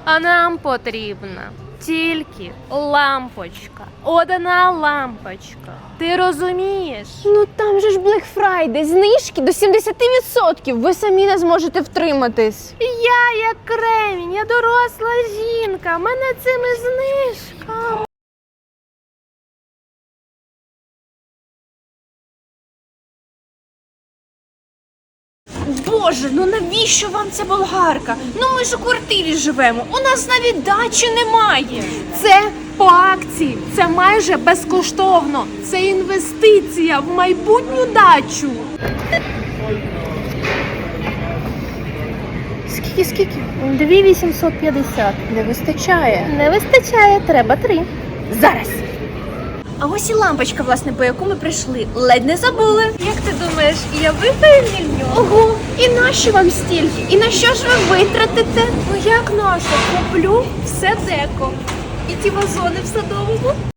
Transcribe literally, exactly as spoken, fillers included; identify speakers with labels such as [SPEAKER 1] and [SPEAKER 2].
[SPEAKER 1] А нам потрібна тільки лампочка. Одна лампочка. Ти розумієш?
[SPEAKER 2] Ну там же ж Black Friday, знижки до сімдесят відсотків. Ви самі не зможете втриматись.
[SPEAKER 1] Я як кремінь, я доросла жінка. Мене цими знижками.
[SPEAKER 2] Боже, ну навіщо вам ця болгарка? Ну ми ж у квартирі живемо, у нас навіть дачі немає.
[SPEAKER 1] Це по акції, це майже безкоштовно. Це інвестиція в майбутню дачу.
[SPEAKER 2] Скільки, скільки?
[SPEAKER 1] дві вісімсот п'ятдесят.
[SPEAKER 2] Не вистачає.
[SPEAKER 1] Не вистачає, треба три.
[SPEAKER 2] Зараз. А ось і лампочка, власне, по яку ми прийшли. Ледь не забули.
[SPEAKER 1] Як ти думаєш, я виграю мільйон?
[SPEAKER 2] Ого, і нащо вам стільки? І на що ж ви витратите?
[SPEAKER 1] Ну як нащо? Куплю все деко. І ті вазони в садовому.